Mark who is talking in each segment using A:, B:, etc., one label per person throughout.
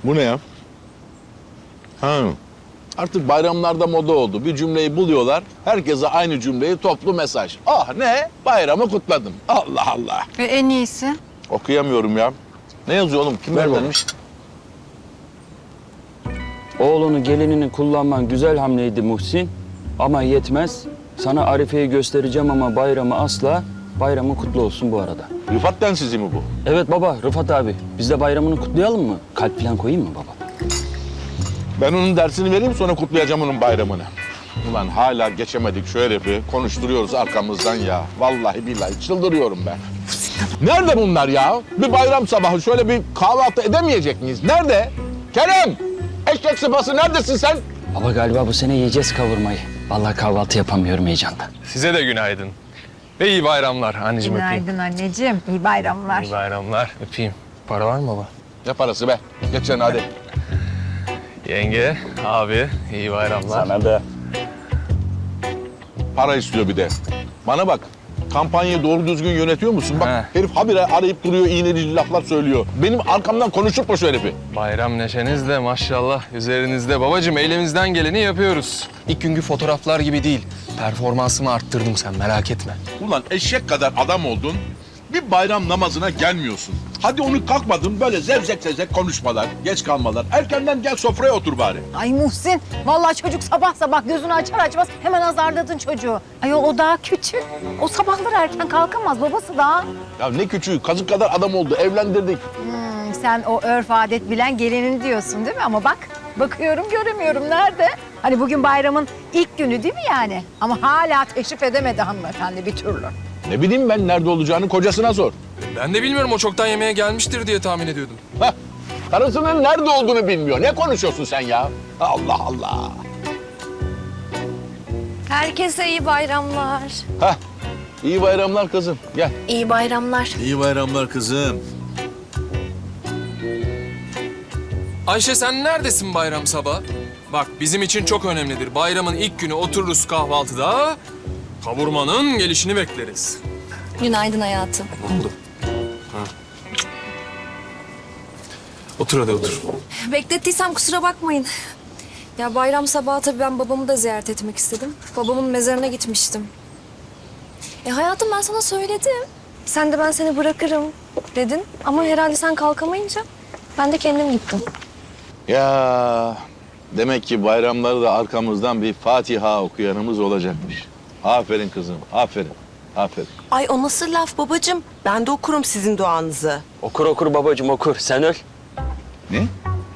A: Bu ne ya? Ha. Artık bayramlarda moda oldu. Bir cümleyi buluyorlar. Herkese aynı cümleyi toplu mesaj. Ah ne? Bayramı kutladım. Allah Allah.
B: En iyisi.
A: Okuyamıyorum ya. Ne yazıyor oğlum? Kim
C: Ver
A: göndermiş?
C: Oğlunu gelinini kullanman güzel hamleydi Muhsin. Ama yetmez. Sana Arife'yi göstereceğim ama bayramı asla. Bayramı kutlu olsun bu arada.
A: Rıfat densizi mi bu?
C: Evet baba, Rıfat abi. Biz de bayramını kutlayalım mı? Kalp falan koyayım mı baba?
A: Ben onun dersini vereyim sonra kutlayacağım onun bayramını. Ulan hala geçemedik şu herifi. Konuşturuyoruz arkamızdan ya. Vallahi billahi çıldırıyorum ben. Nerede bunlar ya? Bir bayram sabahı şöyle bir kahvaltı edemeyecek miyiz? Nerede? Kerem! Eşek sıpası neredesin sen?
C: Baba galiba bu sene yiyeceğiz kavurmayı. Vallahi kahvaltı yapamıyorum heyecandan.
D: Size de günaydın. Ve iyi bayramlar anneciğim, öpeyim.
B: Günaydın anneciğim. İyi bayramlar.
D: İyi bayramlar, öpeyim. Para var mı baba?
A: Ne parası be? Geç sen hadi.
D: Yenge, abi, iyi bayramlar.
C: Sana da.
A: Para istiyor bir de. Bana bak. Kampanyayı doğru düzgün yönetiyor musun? Bak
D: He.
A: herif habire arayıp duruyor, iğneli laflar söylüyor. Benim arkamdan konuşup şu herifi.
D: Bayram neşeniz de maşallah üzerinizde. Babacığım elimizden geleni yapıyoruz. İlk günkü fotoğraflar gibi değil. Performansımı arttırdım, sen merak etme.
A: Ulan eşek kadar adam oldun. Bir bayram namazına gelmiyorsun. Hadi onu kalkmadın böyle zevzek zevzek konuşmalar, geç kalmalar. Erkenden gel sofraya otur bari.
B: Ay Muhsin, vallahi çocuk sabah sabah gözünü açar açmaz hemen azarladın çocuğu. Ay o daha küçük. O sabahları erken kalkamaz, babası daha.
A: Ya ne küçüğü, kazık kadar adam oldu, evlendirdik.
B: Sen o örf adet bilen gelinin diyorsun değil mi? Ama bak, bakıyorum göremiyorum. Nerede? Hani bugün bayramın ilk günü değil mi yani? Ama hala teşrif edemedi hanımefendi bir türlü.
A: Ne bileyim ben nerede olacağını kocasına sor.
D: Ben de bilmiyorum, o çoktan yemeğe gelmiştir diye tahmin ediyordum.
A: Hah, karısının nerede olduğunu bilmiyor. Ne konuşuyorsun sen ya? Allah Allah.
E: Herkese iyi bayramlar.
A: Hah, iyi bayramlar kızım. Gel.
E: İyi bayramlar.
F: İyi bayramlar kızım.
D: Ayşe, sen neredesin bayram sabah? Bak, bizim için çok önemlidir. Bayramın ilk günü otururuz kahvaltıda. Kavurmanın gelişini bekleriz.
E: Günaydın hayatım.
D: Oldu. Otur hadi, otur.
E: Beklettiysem kusura bakmayın. Ya bayram sabahı tabii ben babamı da ziyaret etmek istedim. Babamın mezarına gitmiştim. Hayatım, ben sana söyledim. Sen de ben seni bırakırım dedin. Ama herhalde sen kalkamayınca ben de kendim gittim.
A: Ya demek ki bayramları da arkamızdan bir Fatiha okuyanımız olacakmış. Aferin kızım, aferin, aferin.
G: Ay o nasıl laf babacığım? Ben de okurum sizin duanızı.
C: Okur okur babacığım okur. Sen öl.
A: Ne?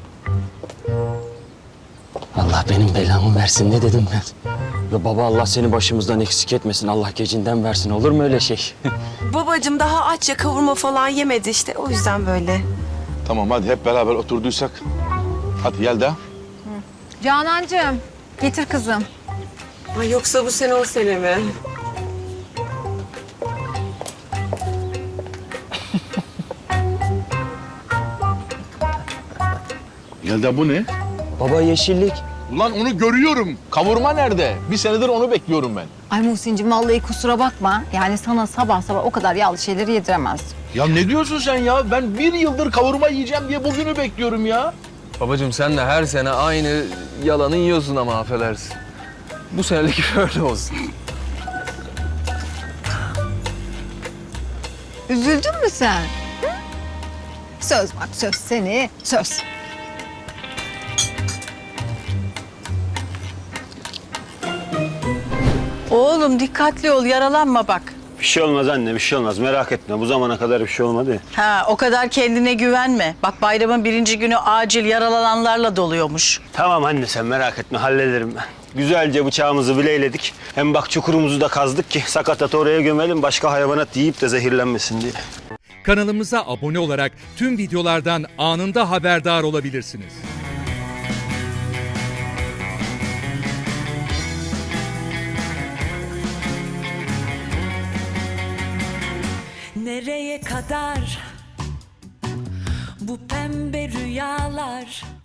C: Allah benim belamı versin ne dedim ben? Ya baba Allah seni başımızdan eksik etmesin. Allah gecinden versin. Olur mu öyle şey?
G: Babacığım daha aç ya kavurma falan yemedi işte o yüzden böyle.
A: Tamam hadi hep beraber oturduysak. Hadi Yelda.
B: Canancığım, getir kızım.
G: Ay yoksa bu sene o sene mi?
A: Yelda bu ne?
C: Baba yeşillik.
A: Ulan onu görüyorum. Kavurma nerede? Bir senedir onu bekliyorum ben.
B: Ay Muhsin'cim vallahi kusura bakma. Yani sana sabah sabah o kadar yağlı şeyleri yediremez.
A: Ya ne diyorsun sen ya? Ben bir yıldır kavurma yiyeceğim diye bugünü bekliyorum ya.
D: Babacığım sen de her sene aynı yalanı yiyorsun ama affedersin. Bu senelik böyle olsun.
B: Üzüldün mü sen? Hı? Söz bak söz seni, söz.
H: Oğlum dikkatli ol, yaralanma bak.
F: Bir şey olmaz anne, bir şey olmaz. Merak etme. Bu zamana kadar bir şey olmadı.
H: Ha, o kadar kendine güvenme. Bak bayramın birinci günü acil yaralananlarla doluyormuş.
F: Tamam anne sen merak etme, hallederim ben. Güzelce bıçağımızı bileyledik. Hem bak çukurumuzu da kazdık ki sakatat oraya gömelim. Başka hayvanat yiyip de zehirlenmesin diye.
I: Kanalımıza abone olarak tüm videolardan anında haberdar olabilirsiniz.
J: Nereye kadar bu pembe rüyalar?